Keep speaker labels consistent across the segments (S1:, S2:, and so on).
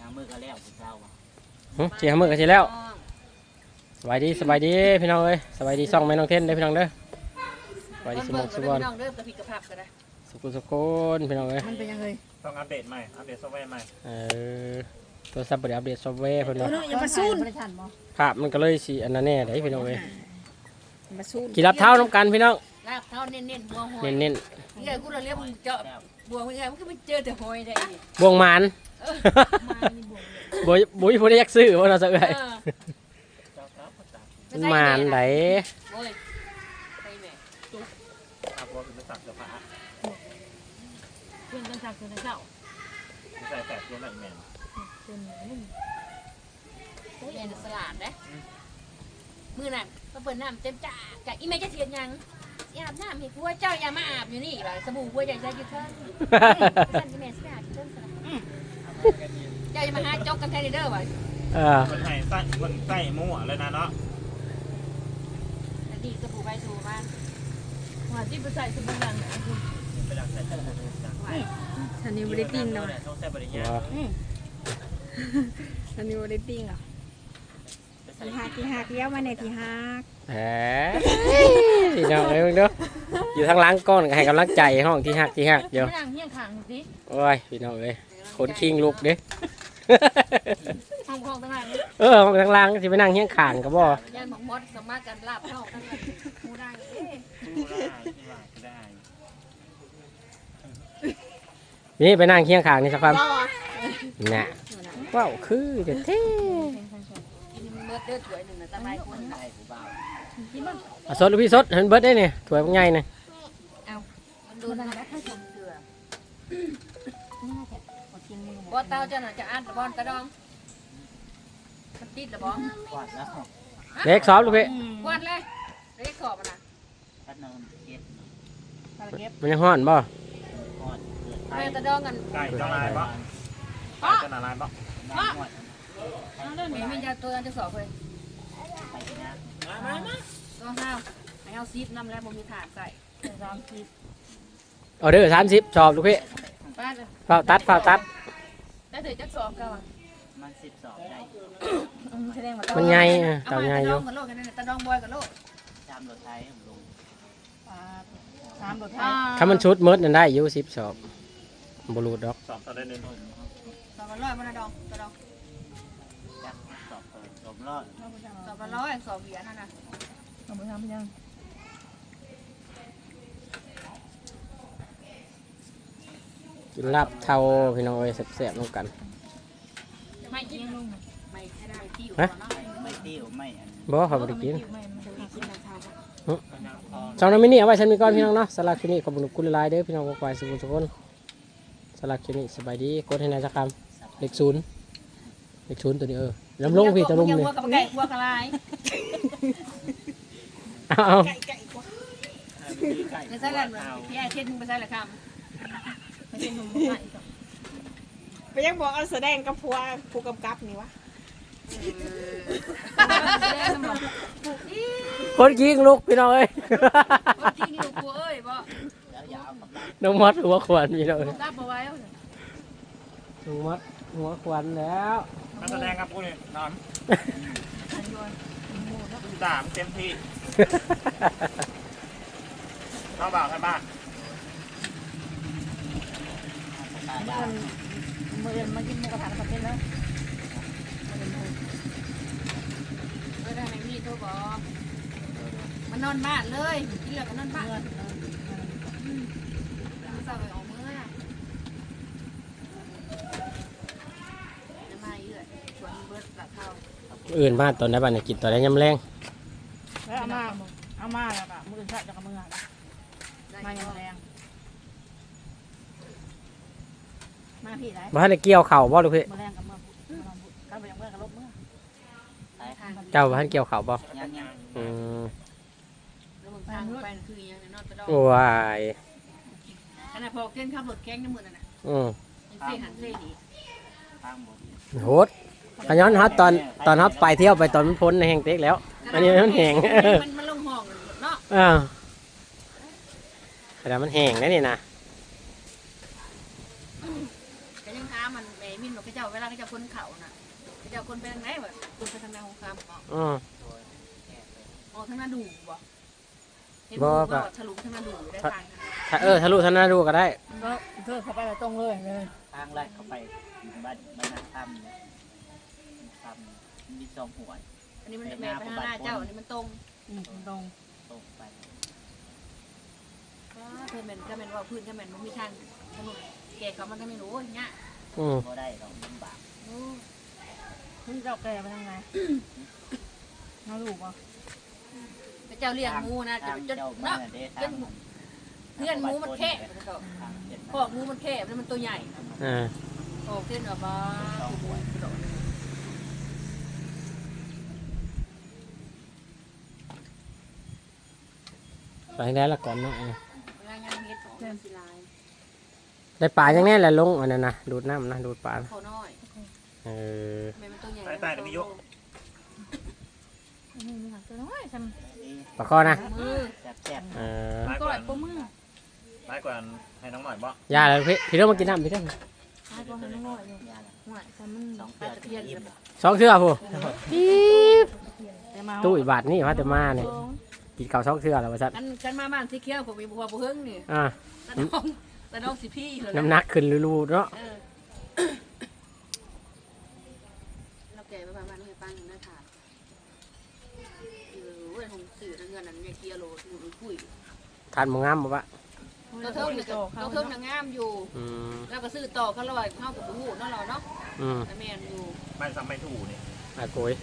S1: มือก็แล้วเจ้า
S2: เสียมือกันสิแล้วสบายดีพี่น้องเอ้ยสบายดีซ่องแม่น้องเทนเด้อพี่น้องเด้อสบายดีสมองสุวรรณ
S3: น้องเด้อกระพิกกระพับกันนะ
S2: สุคนพี่น้องเอ้ย
S3: มันเป็นยังไง
S4: ต้องอัปเดตใหม่อัปเดตซอฟต์แวร์ใหม่
S2: ตัวซับบริอัปเดตซอฟต์แวร์เพิ่น
S3: ตัว
S2: ว่า
S3: น้องอย่ามาซูน
S2: ภาพมันก็เลยสิอันนั้นแน่ได้พี่น้องเอ้ย
S3: มาซูน
S2: กี่รับเท้าน้ำกันพี่น้อง
S3: ลาบเท้าเน้นๆบัวหอย
S2: เน้น
S3: นี่ไงกูเราเรียกมึงเจาะบัวมึงไงมันก็ไม่เจอแต่หอยได้อีก
S2: ๆบวงหมาน
S3: มานี่บัว
S2: บุ้ยผู้ได้ยักซื้อว่าเราจะเอ้ย
S4: เจ้าครับภาษา
S2: มันหมานไหน
S3: โอ้ยไปแม่
S4: อาบัวคือภาษาเสื้อผ้า
S3: เพื่อนกันสักคนเจ้า
S4: ใส่แฝดตัวไหนแมน
S3: เรียนสลัดนะมือนั่นก็เปิดน้ำเต็มจ่าจากอีเมจะเสียยังอาบน้ำให้ผัวเจ้าอย่ามาอาบอยู่นี่ว่าสบู่ผัวใหญ่ใจอยู่เทิงท่านอีเมสไม่อาบอยู่เทิงสลัดเจ้าอย่ามาหาจกกันแทนเด้อว่ะ
S4: คนไทยใส่คนใส่มั่วเลยนะเนาะ
S3: ดีสบู่ใบสูบ้าน
S5: ว่าที่ไปใส่สบู่ดังนะคุณ
S4: ไปดักใส่ตัว
S5: ฉันนี่ไม่ได้ติ้งเนาะ
S4: ต้องใส่บริญญา
S5: ฉันนี่ไม่ได้ติ้งอ่ะที่หักเลี้ยวมาในที่หัก
S2: แหมพี่น้องเอ้ยมึงเด้ออยู่ทางหล้างก้อนก็ให้กำลังใจห้องที่หักเดี๋ยว
S5: ไม่นั่งเฮี้ยงขางสิ
S2: โอ้ยพี่น้องเอ้ยคนคิงลุกเด้
S5: ห้องของต่างหาก
S2: ห้องทางหล้างสิไปนั่งเฮี้ยงข้างก็บ่
S3: ยันหมกมดสามารถกันลาบเท่ากันมูได้
S4: ได้
S2: นี่ไปนั่งเฮี้ยงข้างนี่สักคำน่ะว้าวคือเด็ดเท่
S3: กินเมื่อเดือดถ้วยหนึ่งนะตะไบคนได้
S2: อ่ะสดหรือพี่สดเห็นเบิร์ดได้เนี่ยถวยพวกใหญ่เนี่ย
S3: มันดูนะถ้าชมเกลือบ่เต้าเจ้าหน่ะจะอัดบอลกระดองมันติดหรือบ่
S1: กวาดแล้ว
S2: เล็กซอฟลูกพี่
S3: กวาดเลยเล็กขอบมันนะ
S1: พัดนมเก็บ
S2: มันยังห้อนบ่
S1: ก่อนเกิดไท
S3: แม่
S1: ย
S3: ตะดองกัน
S4: ไก่จะลายปะไก่จะลายปะ
S3: แม่ไม่ยาตัวนั้นจะสอบเลย
S1: ไปนะ
S3: ตัวห้าวให้เอาซีฟน้ำแล้วบ่มีถาดใส่
S2: ออเดอร์30ชอบลูกพี่
S3: ป้าเลย
S2: เฝ้าตัด
S5: ได้ถือจักสอบกันว่ะ
S1: มัน12ได้
S5: แสดงว่า
S2: มันใหญ่
S3: เอา
S2: เต่า
S3: มา
S2: ใหญ่
S3: ตะ
S2: อ
S3: ดอยู่ งกับโลกกันนั่นตะดองบอยกับโลก
S1: จำรถไทยผมลง
S5: 3 บทไทย
S2: ถ้ามันชุดมืดนั่นได้อยู่10ชอบบรูดดอก
S4: สอบตอนได้เนิน
S3: สอบละร้อยมันตะดองตะดอง
S1: จักสอบเปิดลมรอด
S3: สอบละร้อยสอบเหรียญนั่นน่ะ
S5: เอาไปทำยัง
S2: กินลาบเทาพี่น้องเอ้ยแซ่บๆน้องกัน
S3: ไม่กินไม่ได้ที่อยู่
S2: ฮะ
S3: เนาะ
S1: ไม่ติ้วไม่อัน
S2: บ่เขาบ่ได้กิน
S5: ไม่มันจะกินน้ำชา
S2: ช่องน้ำมินิเอาไว้ฉันมีก้อนพี่น้องเนาะสลักคลิปนี้ขอบคุณหลายๆเด้อพี่น้องกวายสุขทุกคนสลักคลิปนี้สบายดีกดให้นายสักคำเลข0ตัวนี้ลำลงพี่ตะลุม
S3: นี่
S2: นี่
S3: หัวกับไก่หัวกระไร
S2: เอา
S3: ในใส่แล้วพี่ไอ้เทศมึงไปใส่ละค
S5: ไม่ใช่นมไข่ไปยังบอกเอาแสดงกับผัวผู้กำกับนี่วะ
S2: คนยิงลูกพี่น้องเอ้ย
S3: ำที่นี่ลูกกูเอ้ยบ่
S1: แล้วยาวกับ
S2: น้องมัดหัวขวัญพี่น้องเอ้ย
S5: รับเอาไว้
S2: น้องมัดหัวขวัญแล้ว
S4: นักแสดงครับกูนี่น้ำด่ามเต็มที่เข้าบ่าวให้บ้าน
S5: มือมากินหมูกระทะกับเป็นแล้ว
S3: ได้ไหนมีโทรบอกมันนอนบ้านเลยที่เหลือก็นอนบ้านสาวไปออกมือน่ะจะมาเยอะชวนเบิร์ดหลับเท้า
S2: อื่นมาตอนไหนบ้านเนี่ยกินตอนไหนยำแรง
S5: แล้วเอามาแล้วก็มือสั่นจากมือมาอย่างแรงมาพี่ไหน
S2: บ้านได้เกี่ยวเข่าบ่ลูกพี่
S5: มือแรงกับมือกันไปยังเมื่อกับลบมือ
S2: เจ้าบ้านเกี่ยวเข่าบ่
S1: ยังยัง
S2: อืม
S3: แล้วมึงพาไปคือยังนอนตะดอง
S2: โอ้ย
S3: ขณะพอเต้นขับรถแข้งในมือนั่นน่ะ ยังเซ่หันเซ่ดี
S1: ฟังหมด
S2: โหดขย้อนฮอตตอนฮอตไปเที่ยวไปตอนมันพ้นในแห่งเต็กแล้ว อันนี้มันแห้ง
S3: มันลงห้องเนาะ
S2: แต่มันแห้งนะนี่นะ
S3: ก็ยังท้ามันแหมมินบอกก็เจ้าเวลาเขาเจ้าคนเขาน่ะเขาเจ้าคนไปทางไหนบ่คนไปทางนาของคำ
S2: อืม
S3: อ๋อทางนาดูบ่เห็น
S2: บ่
S3: บ่
S2: ก็
S3: ก็ทะลุทางนาดูได้ทาง
S2: ถ้าทะลุทะนาดูก็ได้
S3: ก็เธอเข้าไปตรงเลย
S1: ทางลัดเข้าไปบ้านนาถ้ำเนี่ยถ้ำมี2หัว
S3: อันนี้มันแม่ไปทางหน้าเจ้าอันนี้มันตรงตรง
S1: ตรงไป
S3: ก็เพิ่นแม่นก็แม่นว่าพื้นก็แม่นมันมีทางถนนแกเขามันก็ไม่รู้อย่างเงี้ย
S2: อืม
S1: บ่ได้เราลำบาก
S5: มึงเจ้าแกไปทางไหนมาลูกอ่ะ
S3: แต่เจ้าเลี้ยงหมูนะจ
S1: ทาง
S3: น
S1: เจ้ามา
S3: เนาะ
S1: เด้ทาง
S3: เพื่อนหมูมันแคบ
S1: ทางเจ็ด
S3: พอกหมูมันแคบแล้วมันตัวใหญ่
S2: อ่า
S3: โอ้ขึ้นแบบว่า
S2: ไปได้ละก่อนเนาะ
S3: รายงานเฮ็ดของศิลาย
S2: ได้ปลาอย่างแน่แหละลงอันนั้นนะดูดน้ำนะดูดปลา
S3: เขาน้อย
S2: เออ
S3: แม่มันตัวใหญ่
S5: นี่มีหลักตัวน้อยท
S2: ปลาข้อนะ
S3: มือ
S1: แซ่บ
S2: เออ
S4: ร้าย
S5: ำ
S4: ก
S5: ก็
S4: ว่า
S5: ปมือ
S4: ร้ายกว่าให้น้องหน่อยบ่
S2: ยาเลยพี่เริ่มมากินน้ำพี่เริ่ม
S5: ตายก็ให้น้อยอยู่
S1: ๆยาละ
S5: หวานแต่มัน
S1: 2เทื่อถึงอิ่ม
S2: สองเทื่อผู้ปี๊บ
S5: แต่มา
S2: ตู้อีบาทนี่ว่าแต่มาเนี่ยกินข้าวสองเทื่อแล้วว่าซัด
S3: กันมาบ้านสีเขียวผมมีบัวบุเฮงนี่
S2: อ่า
S3: แต่น้องสิพี่เลย
S2: น้ำหนักขึ้นรูๆเนาะ
S3: เราแก่ไปบ้านให้ปังนะค่ะเว้ยของสื่อเงินนั้นเนี่ยเกียร์โลดอยู่คุย
S2: ทานหมูงามบ่ปะ
S3: เราเทิงนี่เราเทิงนางงามอยู่
S2: อืม
S3: แล้วก็ซื้อต่อเขาลอยเข้ากับหูนั่นเราเนาะ
S2: อืม
S3: แต่แม่นอยู่
S4: ไม่ซ้ำไม่ถูกนี่
S2: อาโกย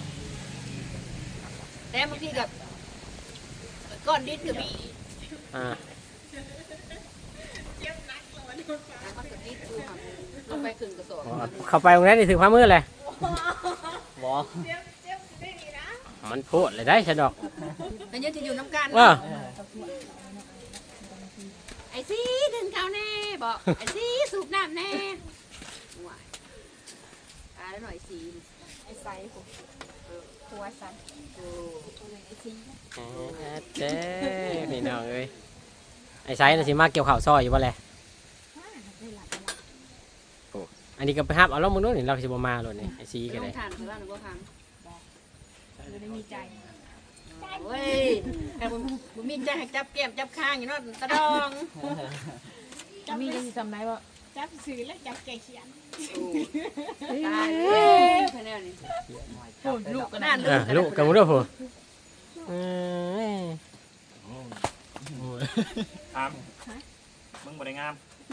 S3: แต่บางทีกับก้อนดินกับมี
S2: อ่า
S3: แล้วก็ดินดูค่ะลงไปขึ้นกระสอบ
S2: เข้าไปตรงนั้นนี่ถึงความมืดเลย
S1: บ่
S2: มันโพดเลยได้ฉันดอก
S3: แต่ยังจะอยู่น้ำกัน
S2: ว่า
S3: ไอ้ซีดึงเขาแน่บอกไอ้ซีสูบน้ำแน่ว้ายตายแล้วหน่อยซี
S5: ไอ้ไซผมหัวไซ
S3: โอ้
S5: ไอ้ซี
S2: เจ๊พี่น้องเอ้ยไอ้ไซส์น่ะสิมาเกี่ยวข่าวซอยอยู่บ่แหละ
S5: ได้หลัก
S2: อันนี้ก็ไปฮับเอาแล้วมึงนู้นนี่เราสิบ่มาเลยนี่ไอ้ซี
S3: ล
S2: ก็ได้
S3: งทานหรือว่าหนูก็พัง
S5: ไม่ได้มีใจ
S3: เว้ยแต่ผมมีใจให้จับแก้มจับข้างอยู่เนาะตะดอง
S5: จะมีจะทำไรวะจับสื่อและจับแกเขียน
S3: ตายเลยคะแนนนี่
S5: โอ้ลูกก็
S3: น่า
S5: น่า
S3: ลืม
S2: ลูกกับมึงด้วยผู้เออ
S4: ถามมึงบ่ได้งาม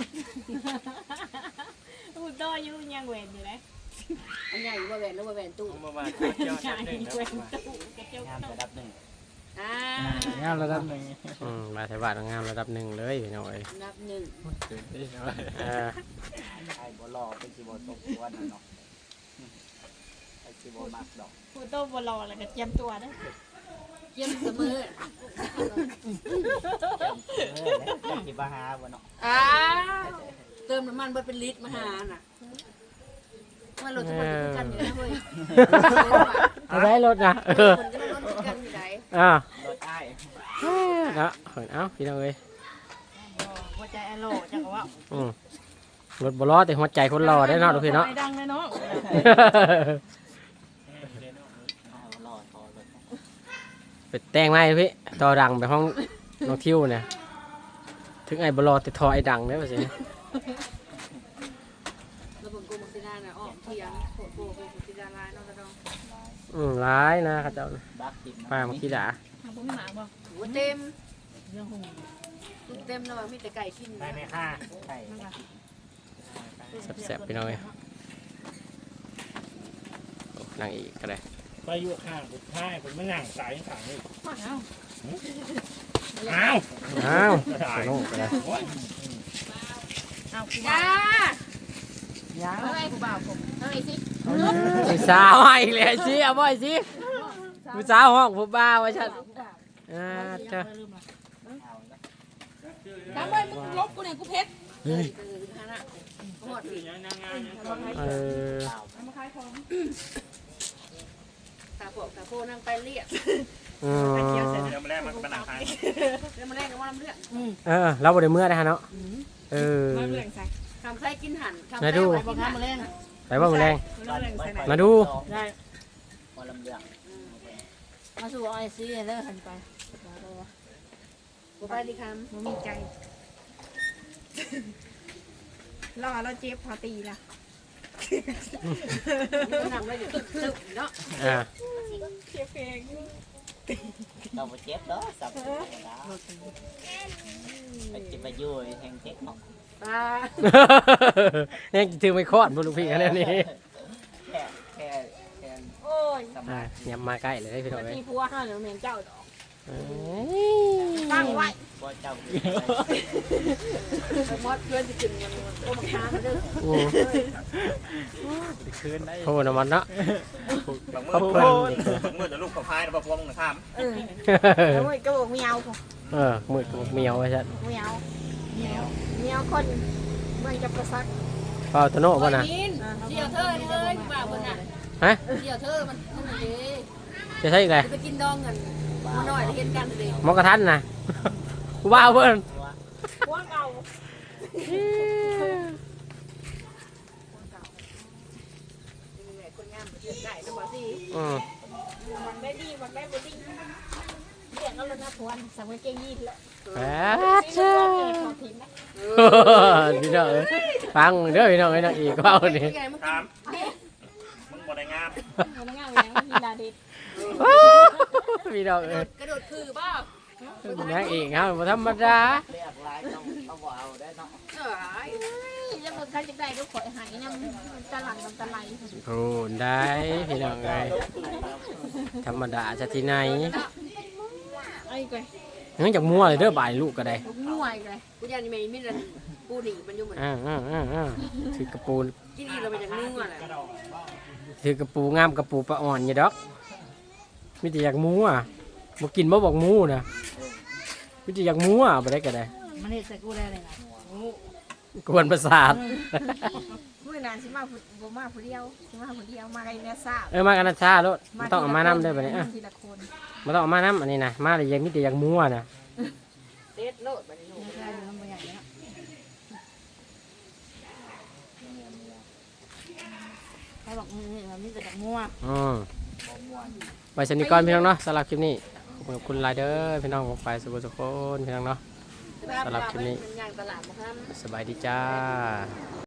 S5: พูดต่ออยู่ยังเวนอยู่เลย
S3: อันใหญ่ว่าแหวนหรือว่าแหวนตู้
S4: มึงมา
S5: ใช่เวนตู้กระเจียว
S1: งามระดับหนึ่ง
S3: อ่าง
S1: ามระดับหนึ่ง
S2: มาใช้บาทงามระดับหนึ่งเลยพี่น้องเอ้ย
S3: นับหนึ่ง
S2: เออ
S1: ไอ้บ่รอเป็นสิบ่ตกตัวนั่นเนาะไอ้สิบ่มักดอก
S5: พูดโต้บอลอะไรก็เจียมตัวนะ
S3: เยี่ยมเสมอ
S1: แล้วสิบ่หาบ่เนาะ
S3: เติมน้ำมันเบิดเป็นลิตรมาหาน่ะมันรถทุกคนจะกันอยู่นะเว้ย
S2: เอาได้รถนะเออ
S3: คนก็รถกันอยู่ไหน
S2: อ่าร
S1: ถอ้าย
S2: เนาะเอ้าพี่น้องเอ้ย
S5: หัวใจอโลจังว่า
S2: อืมรถบ่รอแต่หัวใจคนรอได้เนาะทุกพี่เนาะ
S5: ดังเลยเนาะ
S1: เอารอทอรถ
S2: ไปแต่งไม้พี่ต่อดังไปห้องน้องทิวเนี่ยถึงไอ้บ่รอแต่ทอไอ้ดังได้ป่ะสิ
S3: แล้วผมกูมักซิดาน่ะอ้อมเทียงโคตรโบมักซิดาลายนอกกระดอง
S2: ร้ายนะเขาเจ้า
S1: บักติด
S2: ป้ามาขี้ด่า
S5: ทำพวกพี่หมาบ่
S3: หัวเต็ม
S5: เรื่องของ
S3: ตุ้มเต็มแล้วมีแต่ไก่กิน
S4: ได้ไหมค่ะ
S1: ใช่
S2: แซ่บๆพี่น้องเอ้ยโอ้นั่งอีกก็ได้
S4: ไปอยู่ข้างผมท้ายผมไม่นั่งสายข้างนี่
S5: มาเอา
S4: อ้าว
S2: อ้าวไปลงก็ได้
S5: เอาคุณ
S3: จ้า
S5: ยัง
S3: เฮ้ยกูบ่าวผมเฮ้ยสิ
S2: ไอ้สาวให้อีกเลยสิเอาบ่อยสิผู้สาวห้องผู้บ่าวว่าฉันเจ้า
S5: ทำไมมึงลบกูเนี่ยกูเพชร
S3: เฮ้ยฮานะหมดสิ
S2: เออ
S5: มาขายของ
S3: ตาโปะตาโปนั่งไปเรียก
S2: อืม
S4: เดี๋ยวมาแรกมันเป็นหนังไทย
S3: เรื่องมาแรกก็ว่าน้ำเลือด
S2: เราบ่ได้เมื่อได้ฮะเนาะเออ
S5: มาเรื่องใส่
S3: คำไส้กินหั่นคำ
S2: ไหน
S3: ไส้
S2: ดู
S3: ไว้กินหั่น
S2: ไปบ้างมือแรง
S5: ใส่ไหน
S2: มาดู
S3: ได้
S1: พอลำเลือง
S3: มาสู่ไอซีเลิกหันไปกูไปดิค
S5: มันมีใจรอเราเจ็บพอตีละ
S3: ำนำแล้วอยู่ตึกเนาะ
S2: อ่า
S5: เจ็บเอง
S1: เราไปเจ็บเด้อสับแล้วไปเจ็บไปยุ่ยแทงเทคเนาะ
S3: ตา
S2: เนี่ยถือไม่คอดบุรุพี่กันนี่
S1: แค่
S3: โอ้ย
S1: ส
S2: อ่า
S1: มาธิ
S2: อย่ามาใกล้เลยพี่น้องเลย
S3: ที่พัวห้าเหลือเมนเจ้าดอก
S2: เอ้ย
S3: ตั้งไว้
S1: บ่เจ้า
S3: มอดเพื่อนจะกินมันโอ้มาค้างเด้อ
S2: อืม
S4: คืนได้
S2: โทษนะมันเนาะ
S4: บางมื
S2: เขา
S4: อ
S2: เพิ่น
S4: บางมือจะลูกกับพายแล้วพวงถาม
S3: เออ
S5: แล้วมันก็บอกไม่เอาผม
S2: มืดกับเมียวไว้ชัด
S5: ไม่เอาไม่เอาคนเมืองจะประซัก
S2: เปล่าตโน่ป่ะนะ
S3: เดี่ยวเธอเลยว่าคนน่ะ
S2: ฮะ
S3: เดี่ยวเธอมันเด้
S2: จะใช่อีกเลย
S3: ไปกินดองกันมาหน่อยเห็นกันเลย
S2: หมอกระทันนะกูบ้าเพิ่น
S5: พวกเอาคนงามเดือดได้นะบอสิ
S2: อืม
S5: มันได้ดีมันได้บดีเรียกเอาเลยนะพวนสังเกตเก่งยี่แล้ว
S2: แป
S5: ซี
S2: ด
S5: นุ่
S2: เจ้าม
S5: ก็เก่งของทีมนะ
S2: พี่น้องเอ้ยฟังเด้อพี่น้องไอ้น้องอีกว่าวันนี้
S3: ไงมึง
S4: ถามมึงบ่ได้งาม
S5: คนงามอย่างมีลาเด็ด
S2: พี่น้องเอ้ย
S3: กระโดดคือบ้าน
S2: างเอกครับบ่ธรรมดา
S1: เรียกลายต้องบ่เอาได้เนาะ
S3: เอ้ย
S5: แล้วมันคันจะได้ก็ขอหายน้ำตะหลังตะไหล
S2: โอ้ได้พี่น้องเอ้ยธรรมดาจะที่ไหน
S5: ไอ้ก้อย
S2: งั้นจากมั่วเลยเด้อบ่ายลูกก็ได้
S5: ง่วยเลย
S3: กูยันนี่ไม่มีรันปูหนีมันอยู่เหมือน
S2: ถือกระปู
S3: กินอีเราไปจากนึ่งอ่ะแหละ
S2: ถือกระปูงามกระปูปลาอ่อนอย่าดอกมิแต่อยากมั่วบ่กินบ่บอกมั่วนะมิแต่อยากมั่วบ่ได้ก็ได้
S3: มันเห็นใส่กูได้เลยนะ
S2: กวนประสาท
S5: เมื่อนานสิมาบ่มาผู้เดียวสิมาผู้เดียวมาไกลเนี่ยทราบ
S2: มากันนะชาโลดบ่ต้องเอามานำได้อบัดนี้
S5: ทีละคน
S2: บ่ต้องเอามานำอันนี้นะมาเลยยังมิแต่อยากมั่วนะ
S3: เด็ดโลดไปนี่
S5: ได้แล้วมันอย่างเงี้ย
S3: ใครบอกมันมีแต่จากมั่ว
S2: ไปสนิทก่อนพี่น้องเนาะสำหรับคลิปนี้ขอบคุณหลายเด้อพี่น้องของไปสุขสุขคนพี่น้องเนาะ
S3: มันย่างตลาดมาครับ
S2: สบายดีจ้า